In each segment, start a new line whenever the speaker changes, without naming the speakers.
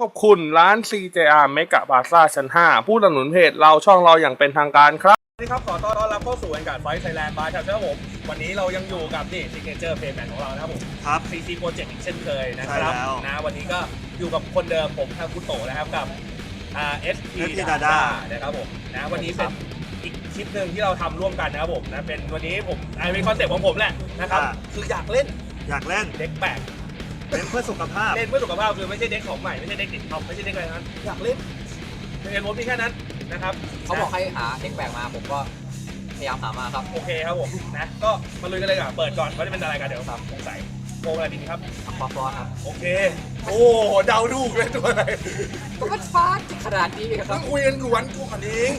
ขอบคุณร้าน CJR Mega Plaza ชั้น 5 ผู้สนับสนุนเพจเราช่องเราอย่างเป็นทางการครับสวัสดีครับขอต้อนรับเข้าสู่การไฟท์ไทยแลนด์บายครับผมวันนี้เรายังอยู่กับนี่ซิกเนเจอร์เพย์แมนของเรานะครับผม
ครับ
CC Project อีกเช่นเคยนะครับนะวันนี้ก็อยู่กับคนเดิมผมทางคุณโตนะครับกับSP Dada นะครับผมนะวันนี้เป็นอีกคลิปหนึ่งที่เราทำร่วมกันนะครับผมนะเป็นวันนี้ผมเป็นคอนเซ็ปต์ของผมแหละนะครับคืออยากเล่นเด็กแปลก
เล่นเพื่อสุขภาพ
เล่นเพื่อสุขภาพคือไม่ใช่เด็กของใหม่ไม่ใช่เด็กติดท็อปไม่ใช่เด็กอะไรนั้นอยากเล่นเป็นผมที่แค่นั้นนะครับ
เขาบอกให้หาเด็กแปลกมาผมก็พยายามหามาครับ
โอเคครับผมนะก็มาลุยกันเลยก่อนเปิดก่อนว่าจะเป็นอะไรกันเดี๋ยวครับสงสัยโกงอะไรดีครับ
ฟอสครับ
โอเคโอ้เดาถูกเลยตัวอะไร
ก็มันฟ้าขนาดนี้ครั
บคุยกันก่อนเอง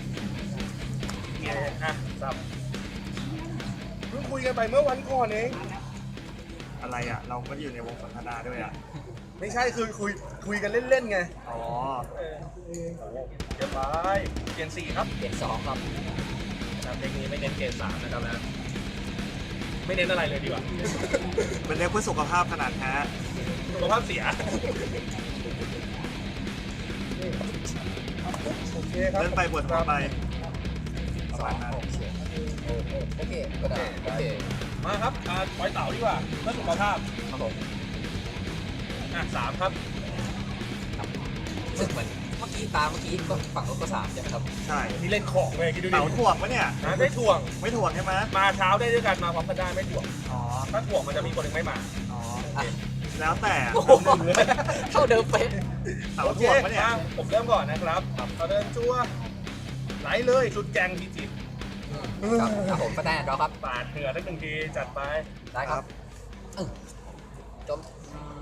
อ่ะครับเพิ่งคุยกันไปเมื่อวันก่อนเอง
อะไรอ่ะเราไม่ได้อยู่ในวงสนทนาด้วยอ่ะ
ไม่ใช่คือคุยกันเล่นๆไง
อ๋อ
เดี๋ยวไปเกณฑ์4ครับ
เกณฑ์2ครับ
เพลงนี้ไม่เน้นเกณฑ์3นะครับนะไม่เน้นอะไรเลยดีกว่า
เป็นเน้นเพื่อสุขภาพขนาดแท้
สุขภาพเสียโอเคครับ
เล่นไปปวดหัวไป
ประมาณนั้นโอเคก็ได้โอเค
มาครับปล่อยเต่าดีกว่าเพื่อสุขภาพ
ครับผม
3ครับ
ซึ่งเหมือนเมื่อกี้ก็ฝั่งรถก็3ใช่ไหมครับ
ใช่
ที่เล่นของเลยคิดดูดิ
เต่าถ่วงปะเนี่ย
ไม่ถ่วง
ไม่ถ่วงใช่ไหม
มาเช้าได้ด้วยกันมาพร้อมกันได้ไม่ถ่วง
อ๋อ
ถ้าถ่วงมันจะมีคนหนึ่งไม่มา
อ๋อแล้วแต่
เท่าเดิมเป๊ะ
เต่าถ่วงปะเนี่ย
ผมเริ่มก่อนนะครับเราเดินจั่วไหลเลยชุดแกงพีจิต
ครับผมก็ได้รอครับ
ปาดเหนือสัก1 ทีจัดไป
ได้ครับจม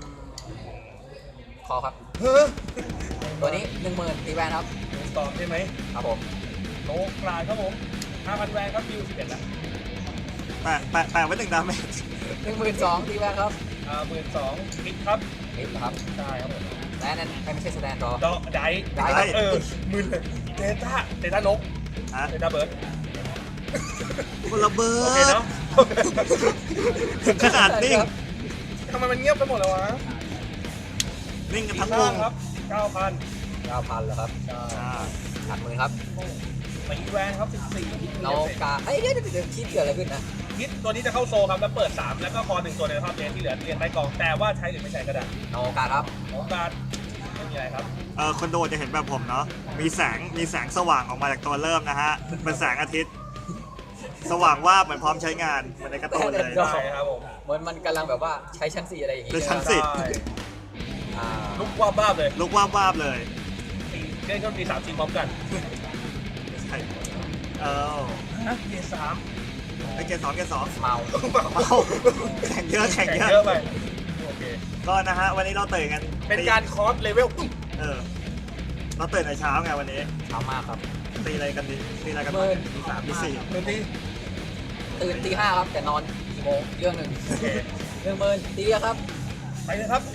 คอครับตัวนี้10,000ตีแวนครับ
ตอบใช่ไหม
ครับผม
โลกลายครับผม5,000แวนครับคิว11แล้ว
แปะไว้1 ดาเมจ
12,000ตีแวนครับ
12,000มิดครับ
มิดครับ
ใช่ครับผม
และนั้นไม่ใช่แสดงรอ
ได้มึนเลยเดต้านกเดต้าเบิร์ด
คนละเบิร์ด
โอเคเนาะ
ขนาดนิ่ง
ทำไมมันเงียบไปหมดแล้ววะ
นิ่งกันทั้งวง
ครับ
9,000เหรอครับหัดมือครับ
ตีแวนครับ14
โนกาเดี๋ยวคิดเกิดอะไรขึ้นนะ
คิดตัวนี้จะเข้าโซครับแล้วเปิด3แล้วก็คอ1ตัวในภาพเลนที่เหลือเรียนใต้กองแต่ว่าใช้หรือไม่ใช้ก็ได้
โนกาครับ
โนกาไม่มีอะไรครับ
คนดูจะเห็นแบบผมเนาะมีแสงสว่างออกมาจากตัวเริ่มนะฮะเป็นแสงอาทิตย์สว่างว่าเหมือนพร้อมใช้งานเหมือนในการ์ตูนเลย
ใช่ครับผม
เหมือนมันกำลังแบบว่าใช้ชั้น4อะไรอย่างงี้
ชั้น
ลุกว่าบ้าเลยเล่นก็ตี3 ทีพร้อมกัน
ใช่
เกม3
เกม2
เมา
แข่งเยอะ
ไปโอเค
ก็นะฮะวันนี้เราตื่นกัน
เป็นการคอร์สเลเวล
เราตื่นในเช้าไงวันนี้
เช้ามากครับ
ตีอะไรกันตี3 ตี 4
ตื่นตี 5ครับแต่นอนกี่โมงเรื่องหนึ่ง10,000ตีครับ
ไปเลยครับ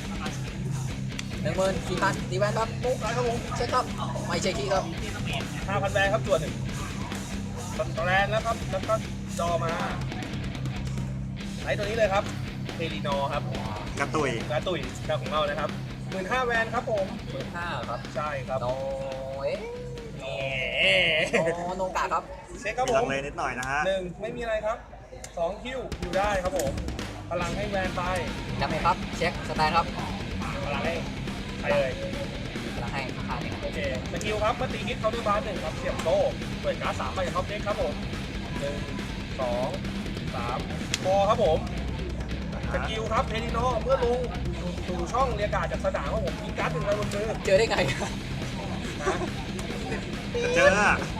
14,000ตีแวนครับ
โป๊กครับผม
เช็คครับไม่เช็คที่ครับ
5,000แวนครับตัว1ตแรนแล้วครับแล้วก็จอมาไอตัวนี้เลยครับเทลีนอครับ
กระตุย
เจ้าของเรานะครับ15,000แวนครับผม
15,000ครับ
ใช่ครับ
โนโนกาครับ
เช็คครับผม
ลังเลนิดหน่อยนะฮะ
1ไม่มีอะไรครับ2คิวอยู่ได้ครับผมพลังให้แวนไป
จำไหมครับเช็คสแตนครับ
พลังให้ไปเลย
พลังให้5
โอเคสกิลครับเมื่อตีฮิตเขาด้วยบาร์1ครับเสียบโต้เปิดการ์ด3ไปจากท็อปเด็กครับผม1 2 3พอครับผมสกิลครับเทลิโนเมื่อลงสู่ช่องเรียกการ์ดจากสนามครับผมมีการ์ด1ใบบนมือ
เจอได้ไง
เจอ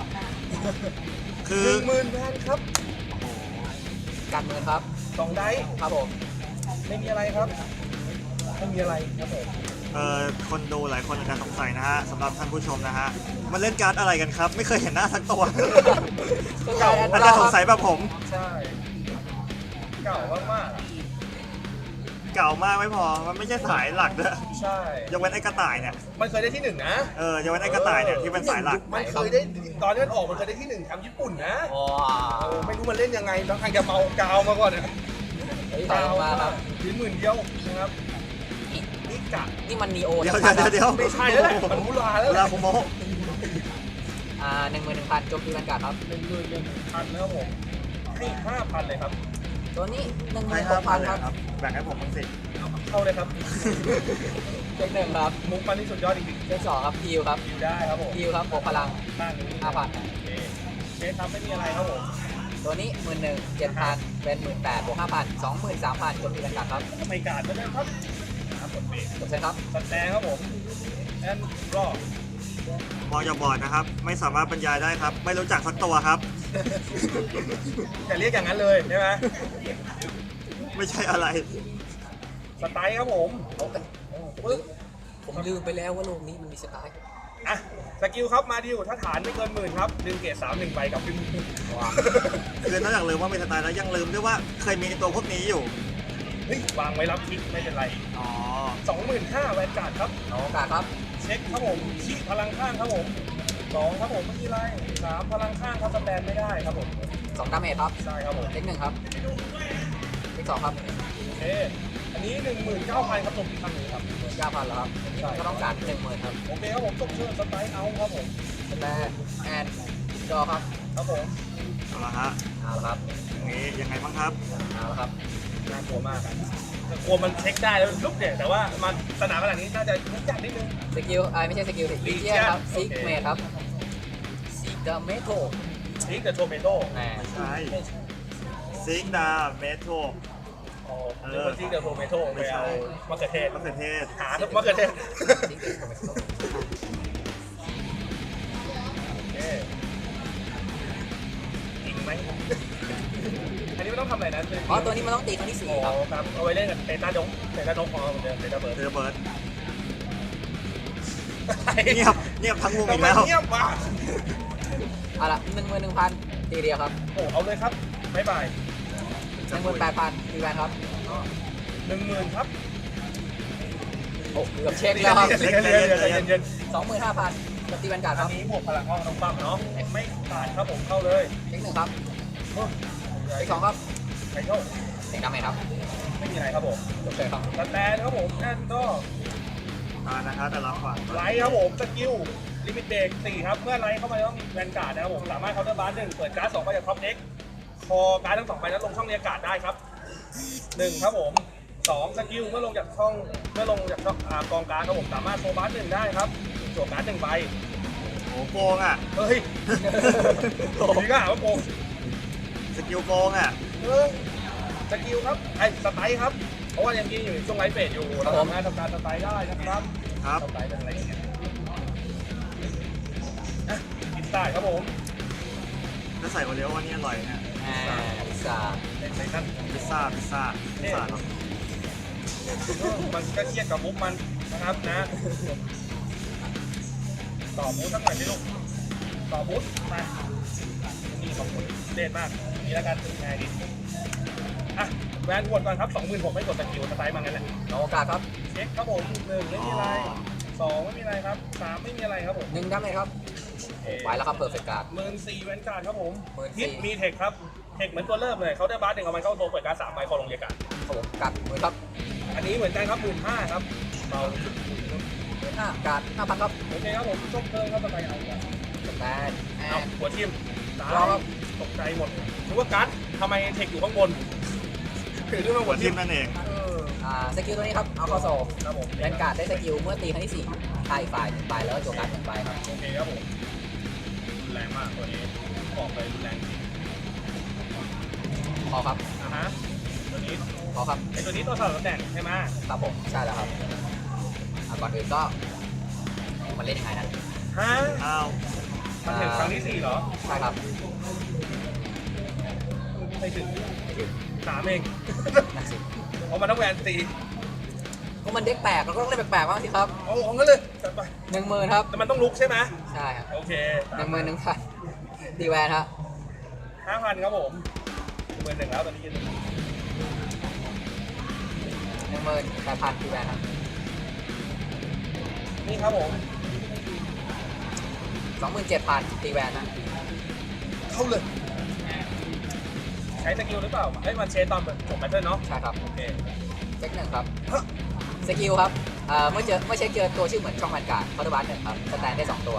คือ
10,000แวนครับ
การเมืองครับ
2 ได้
ครับผม
ไม่มีอะไรครับไม่มีอะไรครับผม
คนดูหลายคนอาจจะสงสัยนะฮะสำหรับท่านผู้ชมนะฮะมันเล่นการ์ดอะไรกันครับไม่เคยเห็นหน้าสักตัวอาจจะสงสัยแบบผม
ใช่เก่ามาก
ไม่พอมันไม่ใช่สายหลักด้วย
ใช่
ยกเว้นไอ้กระต่ายเนี่ย
มันเคยได้ที่1นะ
ยกเว้นไอ้กระต่ายเนี่ยที่เป็นสายหลัก
มันเคยได้ตอนนี้มันออกมันเคยได้ที่1แชมป์ญี่ปุ่นนะไม่รู้มันเล่นยังไงบางครั้งจะเมากาวมาก่อนเนี่ย
กาวมาครับ
10,000เดียวนะครับจะ
นี่มันนีโอ
เดี๋ยว
ชัดๆครับ
เดี๋ยว
ไม่ใช่แล้วแหละมันมูลาแล้ว
เว
แห
ลา
ละ
ผมโม
11,000โจมตีแวนการ์ดครับ
1,000นะครับผมให้ 5,000 เลยครับ
ตัวนี้
ให้
16,000
5,000
ครับ
แบ่งให้ผมบ้างสิ
เข้าเลยครับ
เช็คหนึ่งครับ
มุกมันที่สุดยอดจริง
เช็คสองครับฮิวครับ
ๆอยู่ได้ครับผม
ฮิวครับบวกพลัง
บ้านนี้
5,000
โอเคเชฟครับไม่มีอะไรครับผม
ตัวนี้ 11,000 7,000 เป็น 18,000บวก5,000 23,000โจมตีแวนการ์ดครับ
ไม่การก็ได้ครับกดเบรก
จบเช็คครับ
สแตนครับผมแอนรอ
มองจากบอร์ดนะครับ ไม่สามารถบรรยายได้ครับ ไม่รู้จักสักตัวครับ
อย่าเรียกอย่างนั้นเลยใช่ไหม
ไม่ใช่อะไร
สไตล์ครับผมปึ๊บ
ผมลืมไปแล้วว่าโลกนี้มันมีสไตล์
อ่ะสกิลครับมาดิวถ้าฐานไม่เกิน 10,000ครับดึงเกรด3 1ใบกับดึง
ว้าว
คือนอกจากลืมว่ามีสไตล์แล้วยังลืมด้วยว่าเคยมีตัวพวกนี้อยู่
เฮ้ยวางไว้รับทิกไม่เป็นไร
อ๋อ
25,000แวนการ์ดครับ
เอาโอกาสครับ
เช็คครับผมชี้พลังข้างครับผม2ครับผมไม่มีไร3พลังข้างครับสแตนไม่ได้ครับผม
2ดาเมจครับ
ใช่ครับผม
เช็คหนึ่งครับเช็คสองครับ
โอเคอันนี้ 19,000ครับจบที่ครั้งนี้ครับ
9,000แล้วครับนี่มันก็ต้องการ 10,000 ครับ
โอเคครับผมจบเชิญสไตล์เอาครับผม
สแตนแอนจอครับ
ครับผม
เอาละฮะ
เอาละครับ
อย่างนี้ยังไงบ้างครับ
เอาละครับ
น่ากลัวมากอะกลัวมันเช็คได้แล้วลุกเนี่ยแต่ว่ามาสนามขนาดนี้น่าจะยุ่งยากนิดนึง
สกิลไม่ใช่สกิลสิลีเจียครับซิกเมทครับซิกเดอะเมโท
ทิกเดอะโทเมโต้
แหม
ใช่ซิกดาเมโทร
หรือว่าทิกเดอะโทเมโต้ไปเอามะเขือเทศ
มะเขือเทศ
หาทุกมะเขือเทศ
ซิกเดอะโทเมโท
โอเคจริงไหมอันนี้ไม่ต้องทำอะไรนะ
อ๋อตัวนี้มันต้องตีครั้งที่
อ๋อ
4 ครับ
ครับเอาไว้เล่นกับเตต้าดงเตต้าดงของเราเหมือนเดิมเตต้าเบิร์ด
เรือเบิร์ดเงียบทั้งวง
ทำ
อีก
ไม
แล้ว
เงียบวะ
เอาละ11,000ตีเดียวครับ
โอ้เอาเลยครับบ๊ายบาย
18,000ตีแวนครับ
10,000ครับ
โอ้เกือบเช็คแล้วครับ
เย็น
25,000ตีแวนการ์ด
อั
คน รับ
นี้บวกพลังห้องน้องปั๊มเนาะไม่ขาดครับผมเข้าเลย
เช็คหนึ่งครับเช็คสองครับ
ไปเข้า
เช็คดาเมจครับ
ไม่มีอะไรครับผม
จบเช็คครับ
สแตนครับผมแอนก็
นะครับแต่ละฝั่ง
ไลท์ครับผมสกิลลิมิตเบรก4ครับเมื่อไลท์เข้ามาต้องแวนการ์ดนะครับผมสามารถเคาน์เตอร์บาร์1เปิดการ์ด2ไปจากท็อปเด็กคอการ์ดทั้ง2ใบนั้นลงช่องเรียกการ์ดได้ครับ1ครับผม2สกิลเมื่อลงจากช่องกองการ์ดครับผมสามารถโซบาร์1ได้ครับจั่วการ์ด1ใบ
โอ้โกงอ่ะ
เฮ้ยนี่ก็หาว่าโกง
สกิลโกงอ่ะ
สกิลครับไอ้สไตล์ครับเพราะว่ายังกินอยู่ในช่วงไลฟ์เฟสอยู่เราสามารถทำการสไตล์ได้นะครับ
ครับ
สไตล์เป็นอะไรอย่างเงี้ยอ่ะกินได้ครับผม
ถ้าใส่โอเลี้ยวว่านี่อร่อยนะ
พิซซ่า
ในนั่น
พิซซ่าเหรอ
มันก็เครียดกับมุกมันนะครับนะ ต่อบูธสักหน่อยสิลูกต่อบูธมานี่ของคุณเด่นมากนี่แล้วกันง่ายดีอ่ะแวนวนก่อนครับ 26,000ไม่กดสกิลสไตล์มางั้นแหละ
เอาโอกาสครับ
เช็คครับผม1ไม่มีอะไร2ไม่มีอะไรครับ3ไม่มีอะไรครับผม
1ดาเมจครับไปแล้วครับเพอร์เฟกต์การ์ด
14,000แวนการ์ดครับผม
14,000
ฮิตมีเทคครับเทคเหมือนตัวเริ่มเลยเขาได้บาร์หนึ่งเอามันเข้าโซเปิดการ์ด3ใบคอลงเรียกการ์ด
ครับผมกัดมือครับ
อันนี้เหมือนกันครับ15,000ครับเบา
5การ์ด5,000ครับ
โอเคครับผมชกเพิ่มครับสไตล์เอาครับ
สแตนแอ
เอา
น
หัวทิมตาย
รอครับ
ตกใจหมดนึกว่าการ์ดทำไมเทคอยู่ข้างบนถือขึ้นมาหั
หั
ว
ว
ทิ
ทิ
ม
มนั่นเอง
สกิลตัวนี้ครับเอาเข้าโซ่
ครับผม
แวนการ์ดได้สกิลเมื่อตีครั้งที่4ทายฝ่าย1ใบแล้วโจการ์ด1ใบครับ
โอเคครับผมรุนแรงมากตัวนี้บอกเลยรุนแรงจริง
พอครับ
ฮะตัวนี้
พอครับ
ไอตัวนี้ตัวสลับตำแหน่งใช่ไหม
ครับผมใช่แล้วครับก่อนอื่นก็มันเล่นยังไงนะ
ฮะ
อ้าว
มันถึงครั้งที่4เหรอ
ใช่ครับ
ไม่ถึง
ไม่ถึง
3เอง
นั่นสิ
เพราะมันต้องแวนตี
ก็มันเด็กแปลกเราก็ต้องเล่นแปลกๆบ้างสิครับ
เอาของกันเลยจัดไป
10,000ครับ
แต่มันต้องลุกใช่ไหม
ใช่ครับ
โอเค
11,000ตีแวนครับ
5,000ครับผม11,000แล้วตอนนี้
18,000ตีแวนครับ
นี่ครับผม
27,000ตีแวนนะ
เข้าเลย ใช้สกิลหรือเปล่าเอ้ยมันเชนตอนจบแบตเทิลเนาะ
ใช่ครับ
โอเค
เช็คหนึ่งครับ
ฮะ
สกิลครับเมื่อเช็คเจอตัวชื่อเหมือนช่องแวนการ์ดคอร์ดบัสหนึ่งครับสแตนได้2ตัว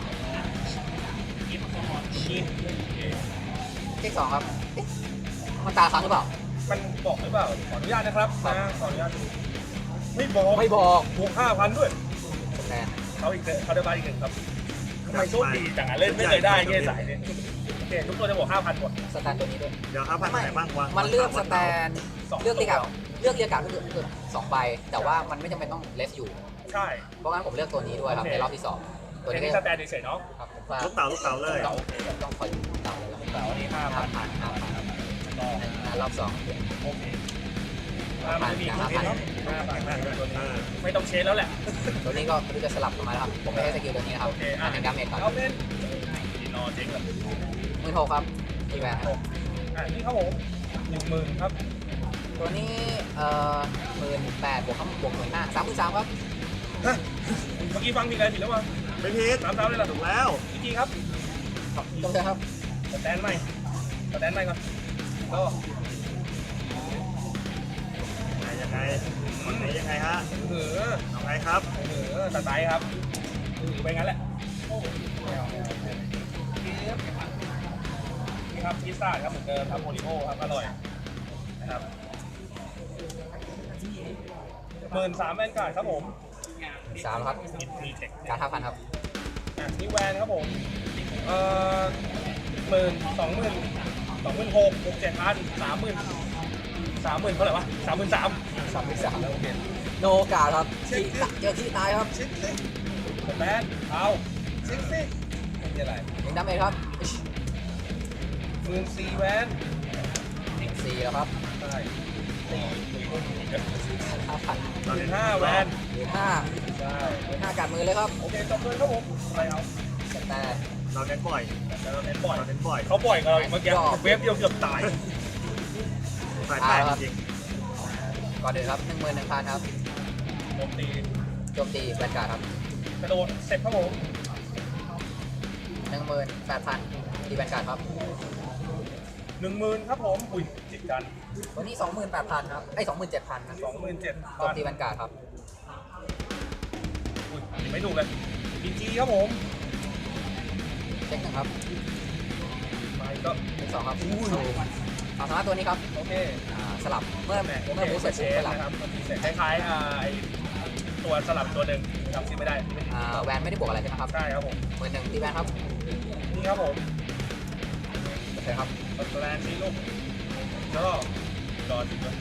เช็ค2ครับเอ๊ะมันตาค้างหรือเปล่า
มันบอกหรือเปล่าขออนุญาตนะครับนะขออนุญาตดูไม่บอก
ไม่บอก
บวก 5,000 ด้วย
สแตน
เขาอีกเขาได้บ้านอีกหนึ่งครับทำไมโชคดีจังอ่ะเล่นไม่เคยได้เงี้ยสายเนี่ยโอเคทุกตัวจะบวก 5,000 หมด
สแตนตัวนี้ด้วย
เดี๋ยวครับพันไหนบ้างวะ
มันเลือกสแตน
สอง
เลือกเรียกการ์ดเลือกเรียกการ์ดก็คือ2ใบแต่ว่ามันไม่จำเป็นต้องเลสอยู่
ใช่
เพราะงั้นผมเลือกตัวนี้ด้วยครับในรอบที่ 2 ตัว
อัน
นี้
นี้
ก็
สแตนเฉยๆเนาะ
ครับผมว่า
ลูกเต๋าเลย
ต้องต้องคอยเต่าเลยครับ
แต่วันนี้ 5,000
5,000
ครับก็
รอบ2
โอเค5,000มีคนเนาะ5,000ตัวนี้ไม่ต้องเชนแล้วแหละ
ตัวนี้ก็ไม่รู้จะสลับกันมาแล้วครับผมไม่ใช้สกิลตัวนี้นะครับ
โอเค
อันหนึ่งดาเมจก่อน
เอาเป็นรอเจ๊งเลย
16,000ครับทีแวนครับ
นี่ครับผม10,000ครับ
ตัวนี้18,000บวก15,000 33,000ครับ
ฮะเมื่อกี้ฟังผิดอะไรผิดแล้ววะ
ไม่ผิด
3 เท้าเลยเหรอ
ถูกแล้ว
อีกทีครับ
ตรงเถอะครับ
สแตนใหม่ก่อนก็
ยังไงคนไหนยังไงฮะ
เออ
เอาไงครับ
สไตล์ครับไปงั้นแหละนี่ครับพิซซ่าครับเหมือนเดิมครับโมริโอครับอร่อยนะครับ13,000แวนการ์ดครับผม
3ครับ
มีเทค
การ์ด5,000ครับ
นี่แวนครับผม26,000 27,000 30,000เท่าไหร่วะ33,000 โอเค
โนการ์ดครับเจอที่ตายครับ
ชิคซิแบนเอาชิคซินี่อะไร
1ดาเมจครับ
14,000แวน
4แล้วครับ
ใช่
5,000
15,000แวน
15,000
ใช่
15การ์ดมือเลยครับ
โอเคจบเลยครับผมอะไรเอา
สแตน
เราเน้นบ่อย
แต่เราเน้นบ่อย
เราเน้นบ่อย
เขาบ่อยกับเราอีกเมื่อกี้เวฟเดียวเกือบตาย
สายแปดจริง
ก่อนอื่นครับ 11,000ครับ
โจมตี
โจมตีแวนการ์ดครับ
กระโดดเสร็จครับผม
18,000ตีแวนการ์ดครับ
10,000ครับผมอุ้ยจิตกัน
ตัวนี้ 28,000ครับ27,000ครับ
27,000
โจมตีแวนการ์ดครับ
อุ้ยไม่ถูกเลยพีจีครับผม
เช็คหนึ่งครับ
ไปก็
เช็ค2ครับ
อุ้ย
ความสามารถตัวนี้ครับ
โอเค
สลับเมื่อบูสเสร็จ
เช
ปุ๊บ
ฟ
สลับ
นะครับมันมีเสร็จคล้ายๆไอตัวสลับตัวหนึ่งจำชื่อไม่ได้
แวนไม่ได้บวกอะไรใช่ไหมครับ
ใช่ครับผม
11,000ตีแวนครับ
นี่ครับผม
โอเคครับ
สแลนซีลูกแล้วก็รอจริงด้วย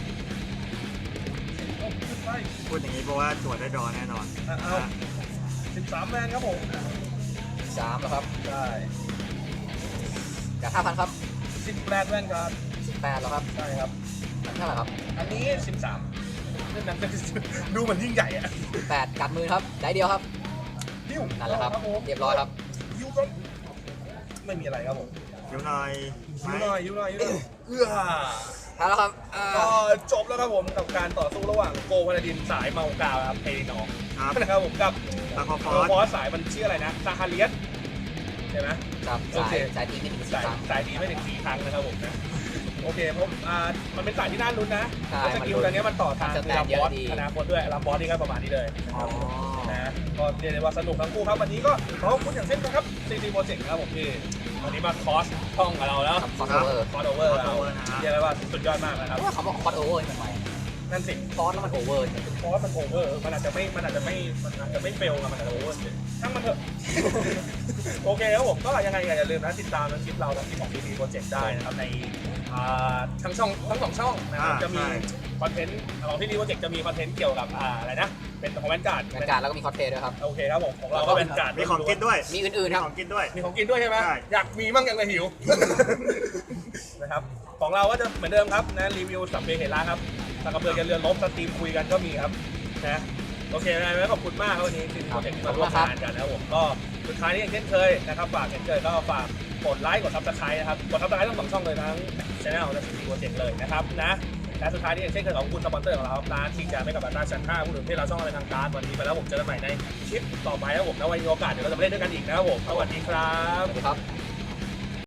ใช่
พูดอย่างนี้เพราะว่าตรวจได้ดอแน่นอน
เอา13แมนครับผม
3แล้วครับ
ใช่
จาก 5,000ครับ
18แมนครับ
18แล้วครับ
ใช่ครับ
อันเท่าไหร่ครับ
อันนี้13เล่นนั้นดูเหมือนยิ่งใหญ่อะ
8กัดมือครับได้เดียวครับ
ดิ้ว
นั่นแหละครับ
ผม
เรียบร้อยครับ
ยิ้วก็ไม่มีอะไรครับผม
เดี๋ยวหน่อย
ยิ้วหน่อยยิ้วหน่อยเอื้อ
ทันแล้วครับ
ก็จบแล้วครับผมกับการต่อสู้ระหว่างโกพาราดินสายเมากาวครับเพลินอ
ครับ
นะครับผมกับ
ตาคอฟ
โร
อส
บอสสายมันชื่ออะไรนะซาฮาเลียสใช่ไหม
ครับ
โอเค
สายตีไม่ถึง4
สาย
ครั้ง
สายดีไม่ถึง4 ครั้งนะครับผมนะโอเคผมมันเป็นสายที่น่าลุ้นนะ
ใช่
สกิลตอนนี้มันต่อทาง
มันจะ
คือ
แตก
ลำ
เย
บอ
อะ
ส
ดี
อนาคตด้วยลำบอสนี่ก็ประมาณนี้เลย
อ๋อ
นะก็เรียกได้ว่าสนุกทั้งคู่ครับวันนี้ก็ขอบคุณอย่างเช่นกันครับซีซีโปรเจกต์นะครับผมที่วันนี้มาคอสช่องกับเราแล้ว
ครับคอร์สโอเวอร์
คอสโอเวอร์เราเรียกได้ว่าสุดยอดมากนะครับ
ว่าเขาบอกคอร์สโอเวอร์ทำไม
นั่นสิ
คอร์สแล้วมันโอเวอร์
เพราะว่ามันโอเวอร์มันอาจจะไม่เฟลกับมันอาจจะโอเวอร์ช่างมันเถอะ โอเคครับผมก็ยังไงอย่าลืมนะติดตามคลิปเราทั้งคลิปของ CC Project ได้นะครับในทั้งสองช่องนะครับจะมีคอนเทนต์ของ CC Project จะมีคอนเทนต์เกี่ยวกับอะไรนะเป็นของแวนการ์ด
แวนการ์ดแล้วก็มีคอร์สเพย์ด้วยครับ
โอเคครับผมของเราก็เป็นการ์ด
มีของกินด้วย
มีอื่นๆครับ
ของกินด้วย
มีของกินด้วยใช่ไหม
ใช่
อยากมีมั่งยังเลยหิว นะครับของเราก็จะเหมือนเดิมครับนะรีวิวสับเบเฮล่าครับสักกระเบือกันเรือลบสตรีมคุยกันก็มีครับนะโอเคนะขอบคุณมากครับวันนี้ที่โปรเจกต์ที่มาร่วมงานกันนะครับผมก็สุดท้ายนี้อย่างเช่นเคยนะครับฝากเช่นเคยก็ฝากกดไลค์กดซับสไครต์นะครับกดซับสไครต์ทั้ง2 ช่องเลยทั้งช่องและซีโปรเจกต์เลยนะครับนะและสุดท้ายนี้อย่างเช่นเคยขอบคุณสปอนเซอร์ของเราร้านที่จะไม่กับร้านชั้น5ผู้ถือที่เราช่องอะไรทางการวันนี้ไปแล้วผมเจอกันใหม่ในคลิปต่อไปครับผมแล้ววันนี้มีโอกาสเดี๋ยวเราจะมาเล่นด้วยกันอีกนะครับผมสวัสดีครับ
สวัสดีครับ